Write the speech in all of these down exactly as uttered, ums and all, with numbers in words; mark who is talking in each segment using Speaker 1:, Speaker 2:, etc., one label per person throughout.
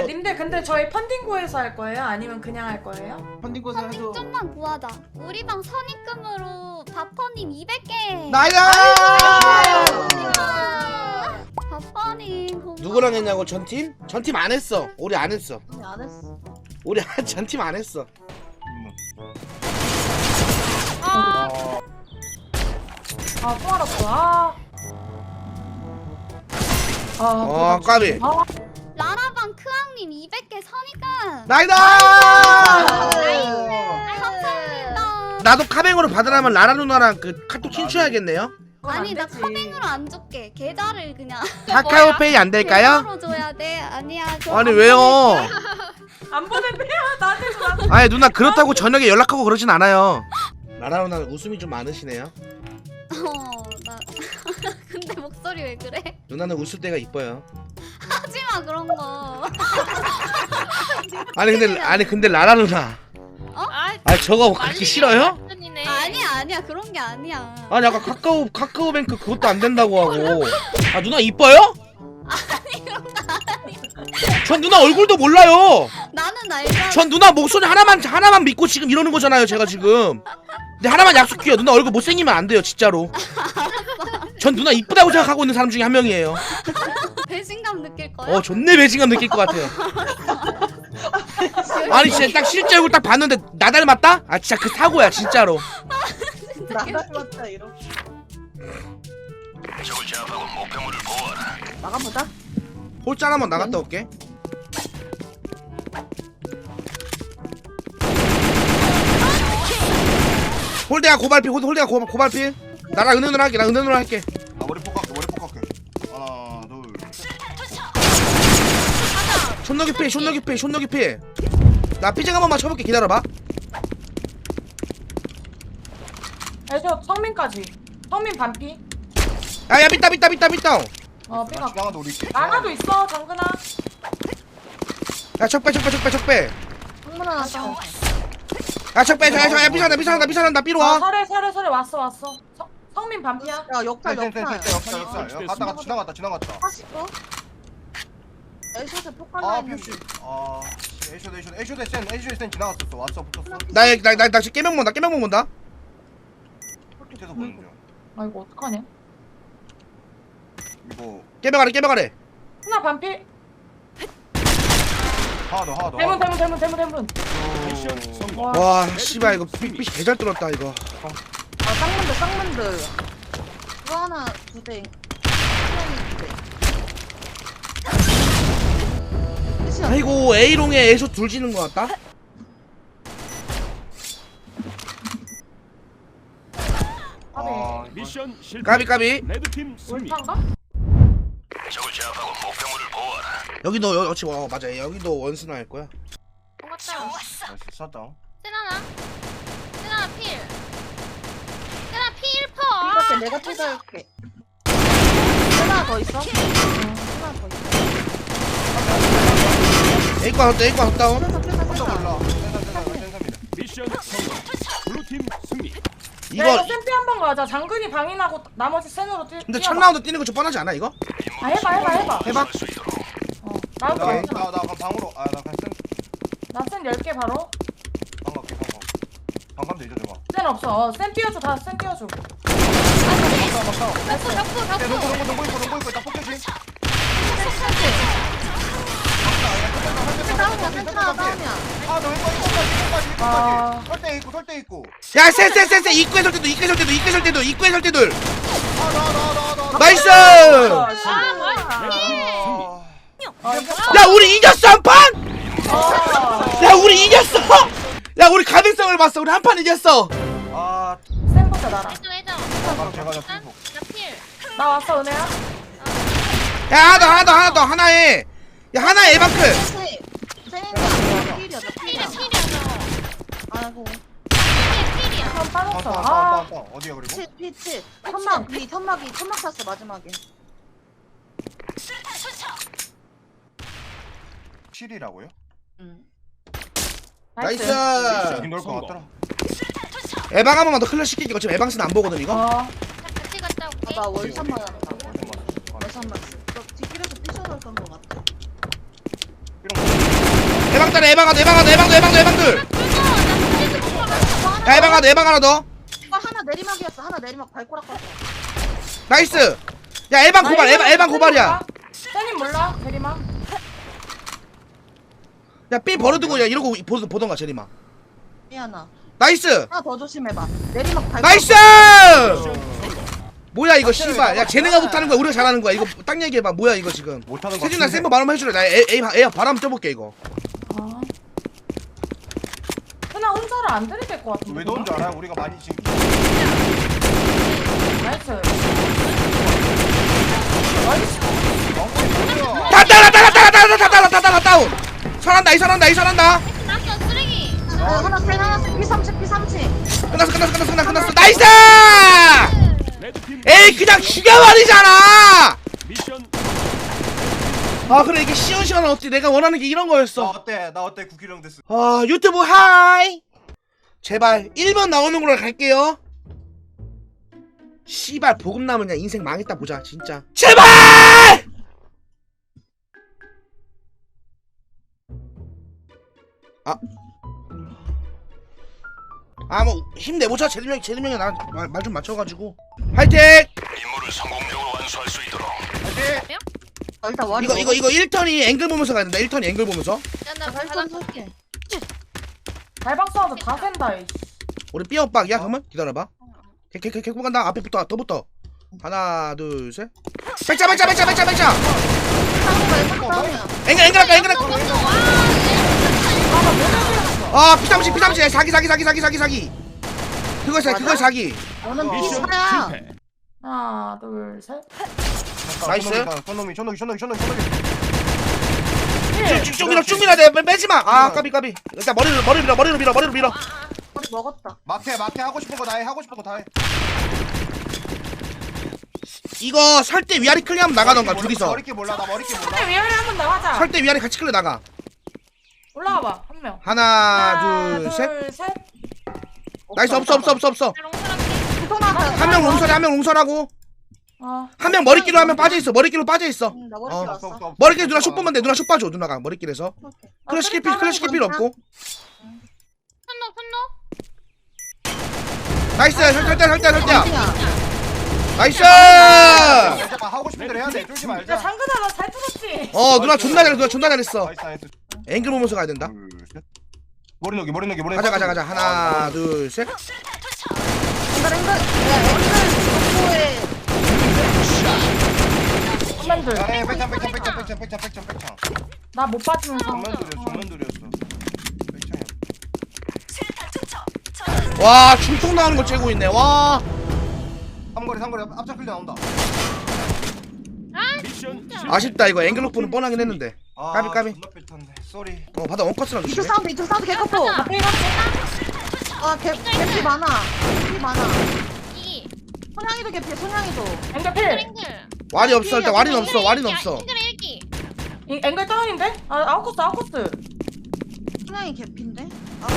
Speaker 1: 님들 근데 저희 펀딩고에서 할 거예요? 아니면 그냥 할 거예요?
Speaker 2: 펀딩고에서
Speaker 3: 펀딩
Speaker 2: 해도
Speaker 3: 좀만 구하자. 우리 방 선입금으로 바퍼님 이백 개.
Speaker 4: 나이다!
Speaker 3: 바퍼님 고마워.
Speaker 4: 누구랑 했냐고 전팀? 전팀 안 했어. 우리 안 했어.
Speaker 5: 아니 안 했어.
Speaker 4: 우리 전팀 안 했어.
Speaker 1: 아,
Speaker 2: 어,
Speaker 1: 아, 또 알았어. 아. 아,
Speaker 4: 어, 까비.
Speaker 1: 아,
Speaker 3: 라라방 크앙님 이백 개 선입금.
Speaker 4: 나이다!
Speaker 3: 감사합니다.
Speaker 4: 나도 카뱅으로 받으려면 라라 누나랑 그 카톡 친추해야겠네요.
Speaker 1: 그건
Speaker 3: 아니
Speaker 1: 안
Speaker 3: 나
Speaker 1: 되지.
Speaker 3: 카뱅으로 안 줄게. 계좌를 그냥
Speaker 4: 카카오페이 안 될까요?
Speaker 3: 계좌로 줘야 돼. 아니야. 저
Speaker 4: 아니
Speaker 3: 안
Speaker 4: 왜요?
Speaker 1: 안 보낸대요. 나한테 줘. 나한테.
Speaker 4: 아니 누나 그렇다고 저녁에 연락하고 그러진 않아요. 라라 누나는 웃음이 좀 많으시네요.
Speaker 3: 어, 나 근데 목소리 왜 그래?
Speaker 4: 누나는 웃을 때가 이뻐요.
Speaker 3: 하지 마 그런 거.
Speaker 4: 아니 근데 아니 근데 라라 누나.
Speaker 6: 아,
Speaker 4: 아니 저거 그렇게 싫어요?
Speaker 6: 네.
Speaker 3: 아니야 아니야 그런 게 아니야.
Speaker 4: 아니 아까 카카오 카카오뱅크 그것도 안 된다고 하고. 아 누나 이뻐요?
Speaker 3: 아니 그런 거 아니야.
Speaker 4: 전 누나 얼굴도 몰라요.
Speaker 3: 나는 알잖아.
Speaker 4: 전 누나 목소리 하나만 하나만 믿고 지금 이러는 거잖아요, 제가 지금. 근데 하나만 약속해요. 누나 얼굴 못생기면 안 돼요, 진짜로. 전 누나 이쁘다고 생각하고 있는 사람 중에 한 명이에요.
Speaker 3: 배신감 느낄 거야?
Speaker 4: 어, 존내 배신감 느낄 것 같아요. 아니 진짜 딱 실제 얼굴 딱 봤는데 나 닮았다? 아 진짜 그 사고야, 진짜로.
Speaker 5: 나 닮았다 이러. 나가보자.
Speaker 4: 홀짠 한번 나갔다 올게. 홀대야 고발필, 홀- 홀대야 고, 고발필. 나랑 은은으로 할게, 나 은은으로 할게.
Speaker 2: 나 머리 폭할게 머리 폭할게. 하나 둘.
Speaker 4: 숏너기 필, 숏너기 필, 숏너기 필. 나 피쟁 한 번만 쳐볼게, 기다려봐.
Speaker 1: 애저 성민까지. 성민 반피.
Speaker 4: 야야 삐따 삐따 삐따 삐따.
Speaker 1: 어, 삐가.
Speaker 2: 지나가도 우리 있게.
Speaker 1: 나가도 있어, 정근아.
Speaker 4: 야 척배 척배 척배 척배.
Speaker 5: 창문 하나 더.
Speaker 4: 야 척배 야 야 삐살한다 삐살한다 삐살한다 삐로
Speaker 1: 아,
Speaker 4: 와.
Speaker 1: 설에 설에 설에 왔어 왔어. 성 성민 반피야.
Speaker 5: 야 역할 역할.
Speaker 2: 역사 역사 역사. 갔다가 지나갔다 지나갔다.
Speaker 5: 사십도. 에이쇼스
Speaker 2: 아
Speaker 5: 폭발라
Speaker 2: 퓨시. 아 에이쇼 에이쇼 에이쇼 센 에이쇼 센 지나갔었어. 왔어 붙었어.
Speaker 4: 나나나 지금 깨명 본다 깨명 본다.
Speaker 2: 밑에서 보는 중.
Speaker 1: 아, 이거 어떡하냐?
Speaker 2: 이거
Speaker 4: 깨명하래 깨명하래.
Speaker 1: 하나 반피.
Speaker 2: 하나 더 하나 더.
Speaker 1: 대문 대문 대문 대문 대문.
Speaker 2: 오.
Speaker 1: 와.
Speaker 4: 와 씨발 이거 삐삐 개잘 뚫었다 이거.
Speaker 5: 아 쌍문들 쌍문들. 그거 하나 두 대. 수영이 두 대. 끝이야.
Speaker 4: 아이고 A롱에 A쇼 둘 지는 것 같다.
Speaker 2: 아
Speaker 7: 미션 실패.
Speaker 4: 까비 까비.
Speaker 7: 레드팀 승리.
Speaker 1: 올탄가?
Speaker 4: 여기도 여, 여기 어 맞아 여기도 원스나 할 거야.
Speaker 6: 똑같다.
Speaker 2: 나이스 샷다운.
Speaker 6: 세나나? 세나나 필. 세나 필 퍼.
Speaker 5: 이렇게 내가 퇴사할게. 하나 더 있어? 응, 하나 더 있어.
Speaker 4: A 과 헛다 A 과 헛다운.
Speaker 5: 퇴사 퇴사
Speaker 2: 혼자
Speaker 5: 퇴사.
Speaker 2: 몰라. 센터 센터 센터입니다.
Speaker 7: 미션 성공. 블루팀 승리.
Speaker 1: 이거 야, 이거
Speaker 4: 이거
Speaker 1: 샘피 한번 가자. 장근이 방인하고 나머지 센으로 뛰.
Speaker 4: 근데
Speaker 1: 뛰어봐.
Speaker 4: 첫 라운드 뛰는 거 좀 뻔하지 않아 이거?
Speaker 1: 아, 해봐 해봐 해봐.
Speaker 4: 해봐.
Speaker 1: 어, 나도
Speaker 2: 나나
Speaker 1: 괜찮아.
Speaker 2: 나 그럼 방으로 아나 그냥 센
Speaker 1: 나센 열 개 바로.
Speaker 2: 방 갈게 방 가. 방 가면 되죠 저거.
Speaker 1: 센 없어. 어, 센 띄워줘. 다 센 띄워줘.
Speaker 2: 막다 막다.
Speaker 6: 벽구 벽구
Speaker 2: 네, 농구
Speaker 6: 벽구.
Speaker 2: 농구 농구 있고 농구 있고 딱 폭격이.
Speaker 5: 다운이야 센트라 다운이야.
Speaker 2: 아너 이거 이거까지 이거까지
Speaker 1: 아.
Speaker 2: 이거까지. 설대 있고 설대 있고.
Speaker 4: 야쎄쎄쎄쎄 입구에 설 때도 입구에 설 때도 입구에 설 때도 입구에 설 때도.
Speaker 2: 아나나나나
Speaker 4: 나이스.
Speaker 1: 아,
Speaker 6: 아,
Speaker 4: 야 우리 이겼어 한 판.
Speaker 1: 아.
Speaker 4: 야 우리 이겼어. 야 우리 가능성을 봤어. 우리 한 판 이겼어.
Speaker 2: 아
Speaker 1: 센부터 나랑.
Speaker 6: 해줘 해줘.
Speaker 2: 바로 제가 잡
Speaker 6: 난?
Speaker 2: 고
Speaker 6: 나 필.
Speaker 1: 나 왔어 은혜야.
Speaker 4: 야 하나 더 하나 더 하나 더 하나에. 야 하나에 에바크.
Speaker 5: 세인이야. 필이야 나
Speaker 6: 필이야
Speaker 5: 필이야.
Speaker 6: 필이야 저거.
Speaker 5: 아이고.
Speaker 6: 필 필이야.
Speaker 1: 한 빠졌어. 아.
Speaker 2: 빵빵빵빵 어디야 그리고?
Speaker 5: 칠 피칠. 천막 비 천막이 천막 탔어 마지막에.
Speaker 2: 칠이라고요?
Speaker 5: 응.
Speaker 4: 나이스.
Speaker 2: 여기 넣을 것
Speaker 7: 성공.
Speaker 2: 같더라.
Speaker 4: 에방 한 번만 더 클리어 시킬게. 어차피 에방스는 안 보거든 이거.
Speaker 1: 어.
Speaker 6: 같이 갔다 올게.
Speaker 5: 나 월샷 맞았다.
Speaker 2: 어,
Speaker 5: 월샷 맞았어. 너 뒷길에서 피셔를 쏜거 같아.
Speaker 4: 에방들 에방하다 에방하다 에방들 에방들 에방들. 야 에방하다 에방 하나 더.
Speaker 5: 이거 하나 내리막이었어. 하나 내리막 발꼬락 갔어.
Speaker 4: 나이스. 야 에방 고발 에방 에방 고발이야.
Speaker 1: 쌤님 몰라 대리마.
Speaker 4: 야 삐 버려두고 야 이러고 보, 보던가 제리마.
Speaker 5: 미안아.
Speaker 4: 나이스.
Speaker 5: 하나 더 조심해봐. 내리막 발꼬락.
Speaker 4: 나이스. 뭐야 이거 씨발. 야 쟤네가 못하는 거야 우리가 잘하는 거야. 이거 딱 얘기해봐. 뭐야 이거 지금.
Speaker 2: 못하는 거.
Speaker 4: 세준아 센거 말한번 해주래. 나 에, 에, 에, 바람 쪄볼게 이거.
Speaker 1: 아. 그냥 혼자를 안 들이댈 것 같은데.
Speaker 2: 왜 넣은 줄 알아? 우리가 많이 지금.
Speaker 1: 나이스.
Speaker 2: 어,
Speaker 4: 다 따라 따라 따라 따라 따라 따라 따라 따라 다운. 설한다 이 설한다 이 설한다.
Speaker 6: 났어 쓰레기.
Speaker 5: 어, 하나 펜 하나 피 삼십 피 삼십.
Speaker 4: 끝났어 끝났어 끝났어 끝났어 끝났어. 나이스.
Speaker 7: 레드팀
Speaker 4: 에이 그냥 죽여버리잖아.
Speaker 7: 미션
Speaker 4: 아 그래 이게 시원시원한 어찌 내가 원하는 게 이런
Speaker 2: 나
Speaker 4: 거였어.
Speaker 2: 어때? 나 어때? 구키령 됐어.
Speaker 4: 아 유튜브 하이. 제발 일 번 나오는 걸로 갈게요. 씨발 보급 남으냐 인생 망했다 보자 진짜. 제발. 아. 아 뭐 힘내보자. 제대명 제대명이 나말 좀 맞춰가지고 화이팅.
Speaker 7: 임무를 성공적으로 완수할 수 있도록.
Speaker 2: 화이팅!
Speaker 5: 어, 일단 와리.
Speaker 4: 이거 이거 이거 일 턴이 앵글 보면서 가야 된다. 일 턴이 앵글 보면서.
Speaker 6: 야나
Speaker 5: 발전
Speaker 6: 바닥
Speaker 5: 쏠게.
Speaker 1: 발박 쏴도 다 센다. 이씨.
Speaker 4: 우리 삐엇박이야 그러면 기다려봐. 개개개 개구 간다. 앞에 붙어 더 붙어. 하나 둘 셋. 백자 백자 백자 백자 백자.
Speaker 5: 싸움이야.
Speaker 4: 앵글 앵글 할까 앵글 할까. 아 피삼십 피삼십 사기 사기 사기 사기 사기 사기. 그거 사기 그거 사기.
Speaker 5: 너는
Speaker 7: 미션
Speaker 5: 피사야.
Speaker 7: 실패.
Speaker 1: 하나 둘 셋.
Speaker 4: 나이스.
Speaker 2: 손놈이 손놈이 손놈이 손놈이 손놈이.
Speaker 4: 쭉쭉 밀어 쭉 밀어 내 빼지 마. 아 까비 까비. 일단 머리를 머리를 밀어 머리를 밀어 머리를 밀어.
Speaker 5: 머리 먹었다.
Speaker 2: 마태 마태 하고 싶은 거 다 해. 하고 싶은 거 다 해.
Speaker 4: 이거 설 때 위아래 클리하면 나가던가 둘이서.
Speaker 2: 머리끼 몰라. 나 머리끼 몰라.
Speaker 1: 근데 위아래 한번 나가자.
Speaker 4: 설 때 위아래 같이 클리 나가.
Speaker 1: 올라와봐 한 명.
Speaker 4: 하나 둘 셋.
Speaker 1: 둘 셋.
Speaker 4: 나이스 없어 없어 없어 없어.
Speaker 5: 피토나한테.
Speaker 4: 한 명 롱설해 한 명 롱설하고
Speaker 1: 어.
Speaker 4: 한 명 머리끼로 하면 빠져 있어. 머리끼로 빠져 있어.
Speaker 5: 응, 나 머리
Speaker 4: 어.
Speaker 2: 없어,
Speaker 5: 왔어.
Speaker 2: 없어, 없어.
Speaker 4: 머리끼리 누나 슛 보면 돼. 누나 슛 봐줘. 누나가 머리끼리에서.
Speaker 1: 아,
Speaker 4: 클래식 필 클래식 필 필요 없고.
Speaker 6: 손노 손노.
Speaker 4: 나이스 설때 설때 설때야. 나이스.
Speaker 2: 야, 하고 싶은 대로 해야 돼. 쫄지
Speaker 1: 야
Speaker 2: 말자.
Speaker 1: 장근아 너 잘 뚫었지.
Speaker 4: 어 누나 존나 잘해. 누나 존나 잘했어.
Speaker 2: 나이스 나이스.
Speaker 4: 앵글 보면서 가야 된다.
Speaker 2: 둘, 셋. 머리 녹이 머리 녹이 머리.
Speaker 4: 가자 가자 가자. 하나 둘 셋.
Speaker 5: 앵글 앵글. 야 앵글
Speaker 1: 선맨들.
Speaker 2: 야, 백창 백창 백창 백창 백창 백창 백창.
Speaker 1: 나 못 빠지면서.
Speaker 2: 정면들이었어. 정면들이었어. 백창이야.
Speaker 4: 와 중통 나오는 거 째고 있네. 와.
Speaker 2: 삼거리 삼거리 앞- 앞차 클리 나온다.
Speaker 7: 미션 실패.
Speaker 4: 아쉽다 이거 앵글 로프는 뻔하긴 했는데.
Speaker 2: 아,
Speaker 4: 까비, 까비.
Speaker 2: 존나 뺐던데. 쏘리.
Speaker 4: 어 바다 원커스랑
Speaker 5: 이쪽
Speaker 4: 주시네.
Speaker 5: 사운드 이쪽 사운드 개커포. 아개 개피 많아. 개피 많아.
Speaker 6: 이
Speaker 5: 손양이도 개피. 손양이도.
Speaker 1: 앵글 필.
Speaker 6: 앵글.
Speaker 4: 와리 없어 일단 와리는 없어 와리는 없어.
Speaker 6: 앵글 일기.
Speaker 1: 이- 앵글 다운인데? 아 아웃코스 아웃코스.
Speaker 5: 손양이 개피인데.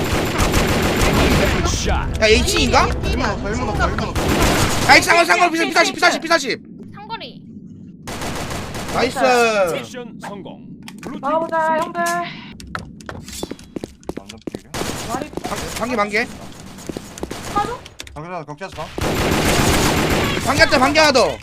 Speaker 7: 샷.
Speaker 4: 야 H인가?
Speaker 5: 개피야.
Speaker 2: 덜문 없어 덜문 없어.
Speaker 4: 야 H 상관 상관 피사십 피사십 피사십 피사십.
Speaker 6: 삼거리.
Speaker 4: 나이스.
Speaker 7: 미션 성공. 블루팀
Speaker 1: 나가보자
Speaker 7: 승리.
Speaker 1: 형들.
Speaker 2: 완전 필이야.
Speaker 1: 말이
Speaker 4: 방개 방개.
Speaker 1: 빠져?
Speaker 2: 당근아 격자서 봐.
Speaker 4: 방개 하자 방개 하나 더.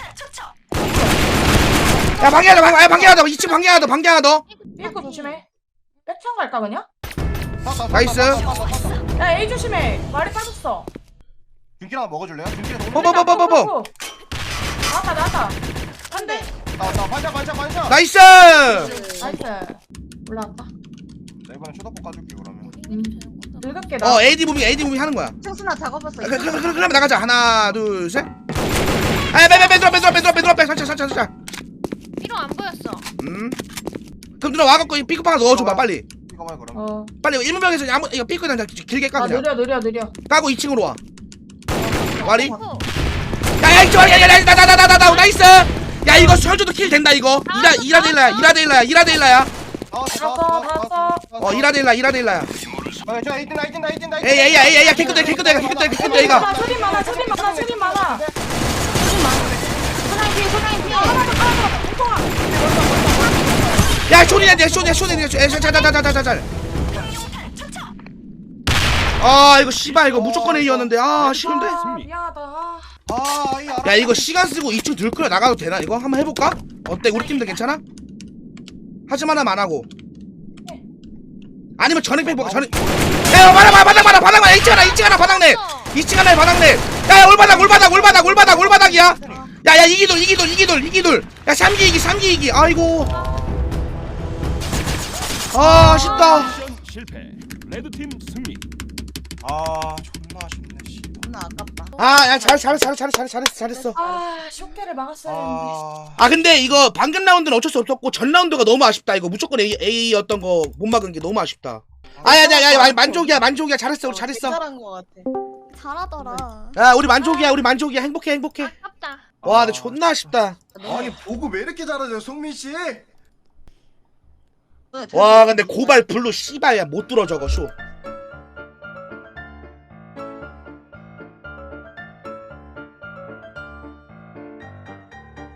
Speaker 4: 야 방개 하자 방개 방개 하자. 이 층 방개 하나 더 방개 하나 더.
Speaker 1: 삐고 조심해. 백창 갈까 그냥?
Speaker 4: 나이스.
Speaker 1: 야 A 조심해. 말이 빠졌어.
Speaker 2: 준키랑 먹어줄래요? 준키랑
Speaker 4: 뭐, 뭐, 뭐, 뭐, 뭐, 뭐.
Speaker 1: 나왔다 나왔다. 한대.
Speaker 2: 나나 반샷 반샷 반샷.
Speaker 4: 나이스.
Speaker 1: 나이스. 올라왔다.
Speaker 2: 나 이번에 쳐다보 까줄게 그러면.
Speaker 1: 음. 늙을게 나.
Speaker 4: 어 에이디 무빙 에이디 무빙 하는 거야.
Speaker 5: 청순아 작업했어.
Speaker 4: 그, 그, 그, 그러면 나가자. 하나 둘 셋. 아야 빼빼 빼 들어 빼 들어 빼 들어 빼 들어 빼 살짝 살짝 살짝.
Speaker 6: 위로 안 보였어.
Speaker 4: 음. 그럼 누나 와갖고 이 삐끗 하나 넣어줘봐 빨리.
Speaker 2: 이거 봐 그럼.
Speaker 1: 어.
Speaker 4: 빨리 일문병에서 아무 이거 삐끗 그냥 길게 까
Speaker 1: 아
Speaker 4: 그냥.
Speaker 1: 느려 느려 느려.
Speaker 4: 까고 이 층으로 와. 와리.
Speaker 6: 오.
Speaker 4: 야야 이쪽 야야야나나나나나 나이스. 야 이거 설주도 킬 된다 이거. 이라 이라데일라야 이라데일라야 이라데일라야.
Speaker 2: 나왔어
Speaker 1: 나왔어, 나왔어.
Speaker 4: 어 이라데일라 이라데일라야.
Speaker 2: 어, 저 에이틴 에이틴 에이틴 에이틴.
Speaker 4: 에이 에이 에이 에이 개끗해 개끗해 개끗해 개끗해 이거.
Speaker 1: 많아 소리 많아 소리 많아 소리 많아.
Speaker 5: 손양이 피 손양이 피.
Speaker 1: 하나 더 하나 더. 통화.
Speaker 4: 야 쇼리야 내 쇼리야 쇼리야 자자자자자자자. 아 이거 씨발 이거 무조건 A였는데 아 싫은데.
Speaker 1: 아,
Speaker 7: 승리.
Speaker 1: 미안하다. 아,
Speaker 2: 아, 이 알아.
Speaker 4: 야 이거 시간 쓰고 이쪽 들끓여 나가도 되나 이거 한번 해볼까? 어때 우리 팀들 괜찮아? 하지만 하면 안 하고. 아니면 전액백 볼까 전액. 야 바닥 바닥 바닥 바닥 바닥 이층 하나 이층 하나 바닥내. 이층 하나에 바닥내. 야 올바닥 올바닥 올바닥 올바닥 올바닥이야. 야야 이기돌 이기돌 이기돌 이기돌. 야 삼기 이기 삼기 이기. 아이고. 아 아쉽다.
Speaker 7: 미션 실패. 레드팀 승리.
Speaker 2: 아, 존나 아쉽네. 씨.
Speaker 5: 존나 아깝다.
Speaker 4: 아야 잘 잘 잘 잘 잘 잘했어 잘했어.
Speaker 1: 아, 쇼케를 막았어야 했는데.
Speaker 2: 아,
Speaker 4: 아 근데 이거 방금 라운드는 어쩔 수 없었고 전 라운드가 너무 아쉽다. 이거 무조건 A A였던 거 못 막은 게 너무 아쉽다. 아야야야 만족이야 만족이야 잘했어 우리 잘했어.
Speaker 5: 잘한 거 같아.
Speaker 3: 잘하더라.
Speaker 4: 야 우리 만족이야 우리 만족이야 행복해 행복해.
Speaker 6: 아깝다.
Speaker 4: 와 근데 존나 아쉽다.
Speaker 2: 아니 보고 왜 이렇게 잘하죠, 송민 씨?
Speaker 4: 와 근데 고발 블루 씨발야 못 들어 저거 쇼.